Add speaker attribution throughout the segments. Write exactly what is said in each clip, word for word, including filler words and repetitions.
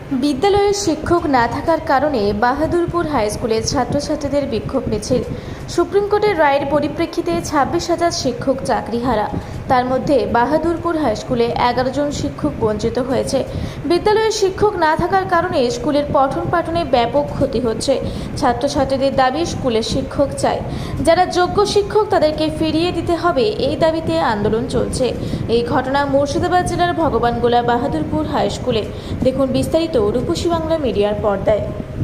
Speaker 1: বিদ্যালয়ের শিক্ষক না থাকার কারণে বাহাদুরপুর হাই স্কুলের ছাত্রছাত্রীদের বিক্ষোভ মিছিল। সুপ্রিম কোর্টের রায়ের পরিপ্রেক্ষিতে ছাব্বিশ হাজার শিক্ষক চাকরিহারা। তার মধ্যে বাহাদুরপুর হাই স্কুলে এগারো জন শিক্ষক বঞ্চিত হয়েছে। বিদ্যালয়ের শিক্ষক না থাকার কারণে স্কুলের পঠন পাঠনে ব্যাপক ক্ষতি হচ্ছে। ছাত্রছাত্রীদের দাবি স্কুলের শিক্ষক চাই, যারা যোগ্য শিক্ষক তাদেরকে ফিরিয়ে দিতে হবে, এই দাবিতে আন্দোলন চলছে। এই ঘটনা মুর্শিদাবাদ জেলার ভগবানগোলা বাহাদুরপুর হাই স্কুলে। দেখুন বিস্তারিত রূপসী বাংলা মিডিয়ার পর্দায়।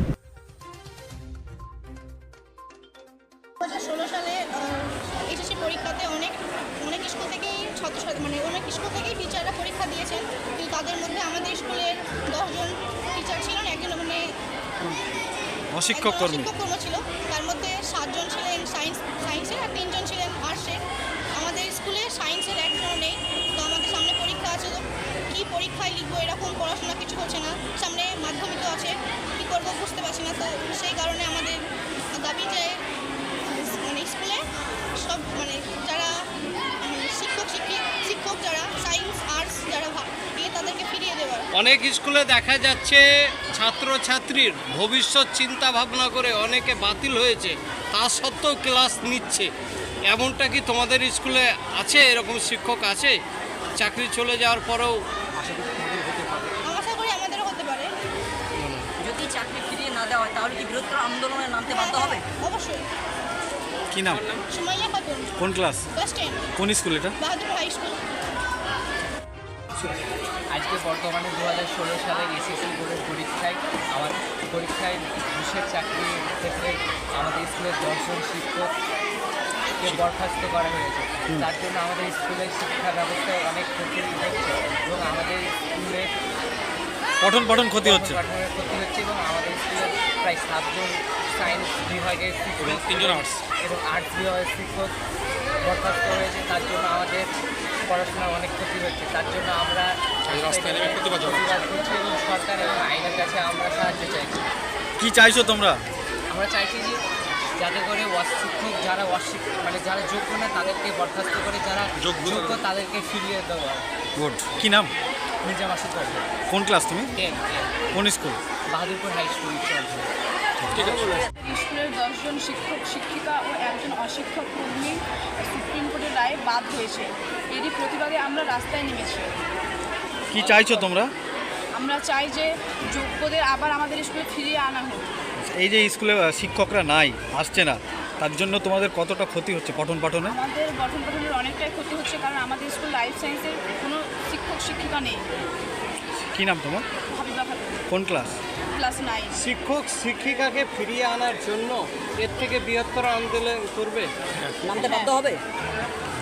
Speaker 2: দু হাজার ষোলো সালে এইচএসসি পরীক্ষাতে অনেক অনেক স্কুল থেকেই ছাত্রছাত্রী মানে অনেক স্কুল থেকেই টিচাররা পরীক্ষা দিয়েছেন, কিন্তু তাদের মধ্যে আমাদের স্কুলের দশজন টিচার ছিলেন, একজন মানে
Speaker 3: অশিক্ষক কর্মী
Speaker 2: কর্ম ছিল। তার মধ্যে সাতজন ছিলেন সায়েন্স সায়েন্সের আর তিনজন ছিলেন আর্টসের। আমাদের স্কুলে সায়েন্সের একজনও নেই। তো আমাদের সামনে পরীক্ষা আছে, তো কী পরীক্ষায় লিখবো এরকম পড়াশোনা কিছু হচ্ছে না। সামনে মাধ্যমিকও আছে, কী করবো বুঝতে পারছি না। তো সেই কারণে আমাদের দাবি যে মানে স্কুলে সব মানে যারা শিক্ষক শিক্ষিক শিক্ষক যারা সায়েন্স আর্টস যারা দিয়ে তাদেরকে ফিরিয়ে দেওয়ার।
Speaker 4: অনেক স্কুলে দেখা যাচ্ছে ছাত্রছাত্রীর ভবিষ্যৎ চিন্তা ভাবনা করে অনেকে বাতিল হয়েছে, তা সত্ত্বেও ক্লাস নিচ্ছে। এমনটা কি তোমাদের স্কুলে আছে? এরকম শিক্ষক আছে চাকরি চলে যাওয়ার পরেও?
Speaker 2: আশা করি আমাদেরও হতে পারে।
Speaker 5: যদি চাকরি ফিরিয়ে না দেওয়া হয় তাহলে কি বৃহত্তর আন্দোলনে নামতে বাধ্য হবে?
Speaker 2: অবশ্যই।
Speaker 3: কি নাম?
Speaker 2: সুমাইয়া খাতুন।
Speaker 3: কোন ক্লাস?
Speaker 2: Class ten.
Speaker 3: কোন স্কুল এটা?
Speaker 2: Bahadur high school.
Speaker 6: আজকে বর্তমানে দু হাজার ষোলো সালের এসএসসি বোর্ডের পরীক্ষায় আমার পরীক্ষায় ঘুষের চাকরির ক্ষেত্রে আমাদের স্কুলের দশজন শিক্ষককে বরখাস্ত করা হয়েছে। তার জন্য আমাদের স্কুলের শিক্ষা ব্যবস্থায় অনেক ক্ষতি হচ্ছে এবং আমাদের স্কুলের
Speaker 3: পঠন পঠন ক্ষতি হচ্ছে
Speaker 6: পঠনের ক্ষতি হচ্ছে এবং আমাদের স্কুলের প্রায় সাতজন সায়েন্স বিভাগের শিক্ষক,
Speaker 3: তিনজন আর্টস
Speaker 6: এবং আর্টস বিভাগের শিক্ষক বরখাস্ত হয়েছে। তার জন্য আমাদের পড়াশোনার অনেক ক্ষতি হচ্ছে। তার জন্য আমরা
Speaker 3: রাস্তায় নেমে প্রতিবাদ
Speaker 6: করছি এবং সরকার এবং আইনের কাছে আমরা সাহায্য চাইছি।
Speaker 3: কি চাইছো তোমরা?
Speaker 6: আমরা চাইছি যে যাতে করে অশিক্ষক যারা অশিক্ষক মানে যারা যোগ্য না তাদেরকে বরখাস্ত করে, যারা
Speaker 3: যোগ্য
Speaker 6: যোগ্য তাদেরকে ফিরিয়ে দেওয়া।
Speaker 3: গুড। কি নাম?
Speaker 6: মির্জা মাসুদ করবে।
Speaker 3: কোন ক্লাস তুমি?
Speaker 6: টেন
Speaker 3: কোন স্কুল?
Speaker 6: বাহাদুরপুর হাই স্কুল চলছে।
Speaker 3: ঠিক আছে।
Speaker 7: স্কুলের দশজন শিক্ষক শিক্ষিকা ও একজন অশিক্ষক কর্মী সুপ্রিম কোর্টের রায়ে বাদ হয়েছে। এরই প্রতিবাদে আমরা রাস্তায় নেমেছি।
Speaker 3: কি চাইছো তোমরা?
Speaker 7: আমরা চাই যে যোগ্যদের আবার আমাদের স্কুলে ফিরিয়ে আনা হোক।
Speaker 3: এই যে স্কুলে শিক্ষকরা নাই, আসছে না, তার জন্য তোমাদের কতটা ক্ষতি হচ্ছে পঠন পাঠনে?
Speaker 7: আমাদের গঠন গঠনের অনেকটাই ক্ষতি হচ্ছে, কারণ আমাদের স্কুল লাইফ সায়েন্সের কোনো শিক্ষক শিক্ষিকা নেই।
Speaker 3: কি নাম তোমার?
Speaker 7: ভাবিবা খাতুন।
Speaker 3: কোন ক্লাস?
Speaker 7: Class nine.
Speaker 4: শিক্ষক শিক্ষিকাকে ফিরিয়ে আনার জন্য এর থেকে বৃহত্তর আন্দোলন করবে?
Speaker 5: নামতে বাধ্য হবে।